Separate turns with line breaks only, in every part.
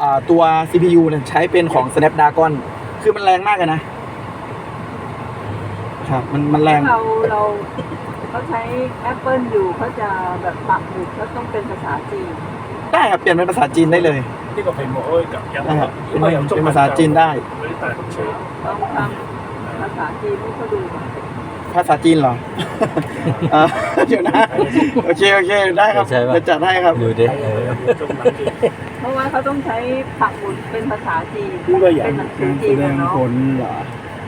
ตัว CPU เนี่ยใช้เป็นของ Snapdragon คือมันแรงมากเลยนะครับมันแรง
เขาใช้ Apple อยู่เขาจะแบบปักหมุดเขาต้องเป็นภาษาจีน
ได้ครับเปลี่ยนเป็นภาษาจีนได้เลย
呢個屏幕可以撳入，
นะครับเป็นภาษาจีนได้
嗰啲大風車。
ต้องทำภาษาจีนให้เขาดูก่อน
ภาษาจีนเหรอ เดี๋ยวนะโอเคได้ครับ
ใช่ปะ
จะจัดให้ครับ
ดูดิ
เพราะว่าเขาต้องใช้ปักหมุดเป็นภาษาจีน
呢個
เป็น
人
หนังสือ
แส
จีน
ดง
เนาะ
ผลเหรอ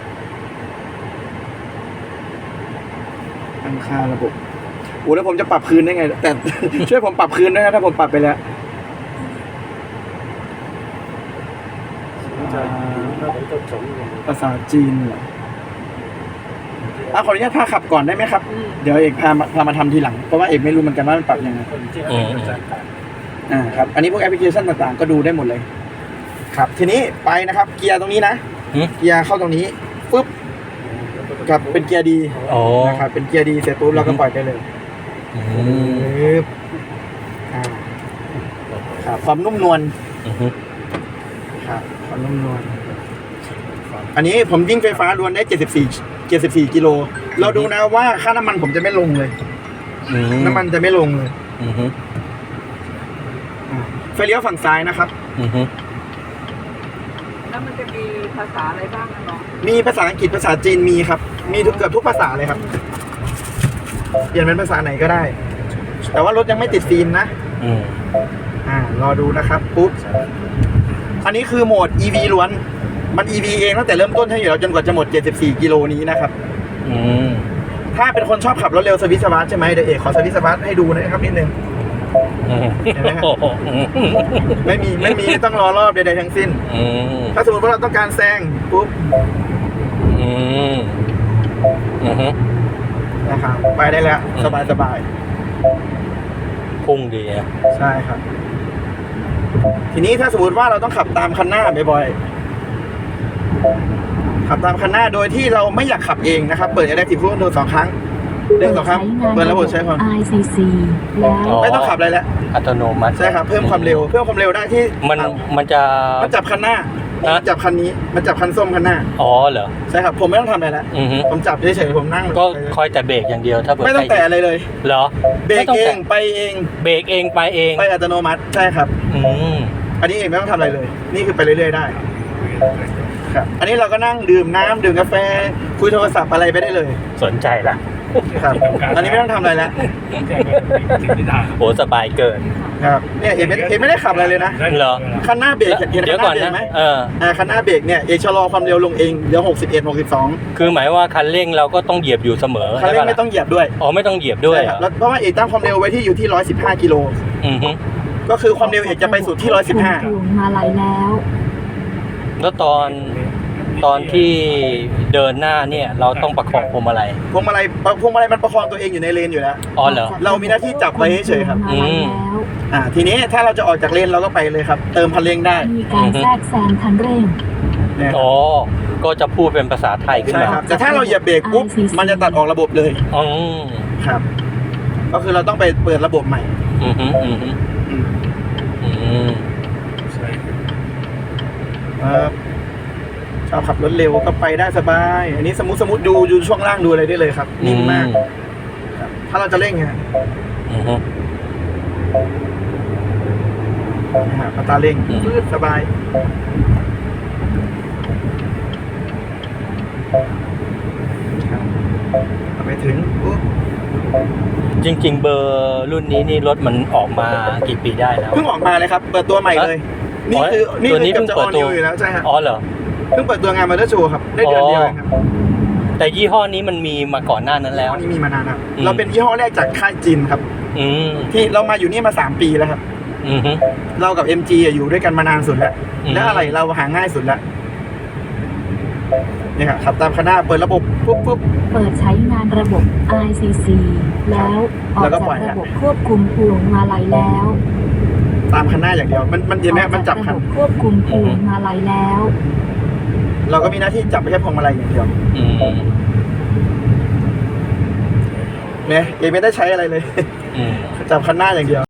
ตั้งค่าระบบโอ้แล้วผมจะปรับคืนได้ไง แต่ ช่วยผมปรับคืนด้วยนะถ้าผมปรับไปแล้วภาษาจีนเหรอขออนุญาตพาขับก่อนได้ไหมครับ เดี๋ยวเอกพามาทำทีหลัง เพราะว่าเอกไม่รู้เหมือนกันว่ามันปรับยังไงครับ อันนี้พวกแอปพลิเคชันต่างๆก็ดูได้หมดเลย ครับ ทีนี้ไปนะครับ เกียร์ตรงนี้นะ เกียร์เข้าตรงนี้ปุ๊บกับเป็นเกียร์ดี
อ๋อ
นะครับ เป็นเกียร์ดีเสร็จปุ๊บเราก็ปล่อยไปเลยปึ๊บครับความนุ่มนวลครับความนุ่มนวลอันนี้ผมวิ่งไฟฟ้าล้วนได้74กิโลเราดูนะว่าค่าน้ำมันผมจะไม่ลงเลยน้ำมันจะไม่ลงเลยไฟเลี้ยวฝั่งซ้ายนะครับ
แล้วมันจะมีภาษาอะไรบ้างนะน้อง
มีภาษาอังกฤษภาษาจีนมีครับ มีเกือบทุกภาษาเลยครับเปลี่ยนเป็นภาษาไหนก็ได้ แต่ว่ารถยังไม่ติดฟิล์มนะรอดูนะครับปุ๊บอันนี้คือโหมด EV ล้วนมัน EV เองตั้งแต่เริ่มต้นให้อยู่แล้วจนกว่าจะหมด74กิโลนี้นะครับถ้าเป็นคนชอบขับรถเร็วสวิตช์สวาร์ทใช่ไหมเดี๋ยวเอกขอสวิตช์สวาร์ทให้ดูนะครับนิดนึงเห็นไหมครับไม่มีต้องรอรอบใดๆทั้งสิ้นถ้าสมมติว่าเราต้องการแซงปุ๊บนะครับไปได้แล้วสบาย
พุ่งดีอ่ะ
ใช่ครับทีนี้ถ้าสมมติว่าเราต้องขับตามคันหน้าบ่อยๆขับตามคันหน้าโดยที่เราไม่อยากขับเองนะครับเปิด Adaptive Cruise Control 2 ครั้งเดือน2 ครั้งเปิดระบบใช้ความ
ICC แล้ว
ไม่ต้องขับอะไรแล้ว
อัตโนมัติ
ใช่ครับเพิ่มความเร็วได้ที่
มันจะ
มันจับคันหน้ามันจับคันนี้มันจับคันส้มคันหน้า
อ๋อเหรอ
ใช่ครับผมไม่ต้องทำอะไรแล้วผมจับเฉยๆผมนั่ง
ก็คอยแต่เบรกอย่างเดียวถ้าเบิด
ไม่ต้องแตะอะไรเลย
เหรอ
เบรกเองไปเอง
เบรกเองไปเอง
ไปอัตโนมัติใช่ครับอันนี้เองไม่ต้องทำอะไรเลย นี่คือไปเรื่อยๆได้ครับอันนี้เราก็นั่งดื่มน้ำดื่มกาแฟคุยโทรศัพท์อะไรไปได้เลย
สนใจละ
ครับอันนี้ไม่ต้องทำอะไรแล้ว
โหสบายเกิน
ครับเนี่ยเอกไม่ได้ขับอะไรเลยนะ
เหรอ
คันหน้าเบรกเห็น
เดี๋ยว
คันห
ก่อ
น้าน เบรก
นะ
ไหม
คั
นหน้าเบรกเนี่ยเอกชะลอความเร็วลงเองเหลือ61 62
คือหมายว่าคันเร่งเราก็ต้องเหยียบอยู่เสมอ
คันเร่งไม่ต้องเหยียบด้วย
อ๋อไม่ต้องเหยียบด้วย
ใช่ครับแล้วเพราะว่าเอกตั้งความเร็วไว้ที่อยู่ที่115กิโล ก็คือความเร็วเอกจะไปสุดที่115
มาไหลแล้ว
แล้วตอนที่เดินหน้าเนี่ยเราต้องประคองพวงมาลัย
พวงมาลัยมันประคองตัวเองอยู่ในเลนอยู่แล้ว
อ๋อเหรอ
เรามีหน้าที่จับไว้เฉยๆครับ ทีนี้ถ้าเราจะออกจากเลนเราก็ไปเลยครับ เติมคันเร่งได้
มีการแทรกแซงคันเร่ง
อ๋อก็จะพูดเป็นภาษาไทยขึ้น
ใช่
มา
ครับแต่ถ้าเราเหยียบเบรกปุ๊บมันจะตัดออกระบบเลย
อ๋อ
ครับ ก็คือเราต้องไปเปิดระบบใหม่ชอบขับรถเร็วก็ไปได้สบาย อันนี้สมมติดูช่วงล่างดูอะไรได้เลยครับนิ่งมากถ้าเราจะเร่งไงอัตราเร่งฟืดสบายไปถึง
จริงๆเบอร์รุ่นนี้นี่รถมันออกมากี่ปีได้แล้ว
เพิ่งออกมาเลยครับเปิดตัวใหม่เลยนี่คือเพิ่งเปิดตัวอยู่แล้วใช่ครับ
อ๋อเหรอ
เพิ่งเปิดตัวงานมอเตอร์โชว์ครับได้เดือนเดียวเองครับ
แต่ยี่ห้อนี้มันมีมาก่อนหน้านั้นแล้ว
นี่มีมานานครับเราเป็นยี่ห้อแรกจากค่ายจีนครับที่เรามาอยู่นี่มา3 ปีแล้วครับเรากับ MG อยู่ด้วยกันมานานสุดแล้วและอะไรเราหาง่ายสุดแล้วนี่ครับขับตามคันหน้าเปิดระบบปุ๊บ
เปิดใช้งานระบบ ICC แล้วออกจากระบบควบคุมพวงมาลัยแล้ว
ตามคันหน้าอย่างเดียวมันเห็นไหมมันจับคัน
ควบคุมพวงมาลัยแล้ว
เราก็มีหน้าที่จับไปแค่พวงมาลัยอย่างเดียวเนี่ยเองไม่ได้ใช้อะไรเลยจับคันหน้าอย่างเดียว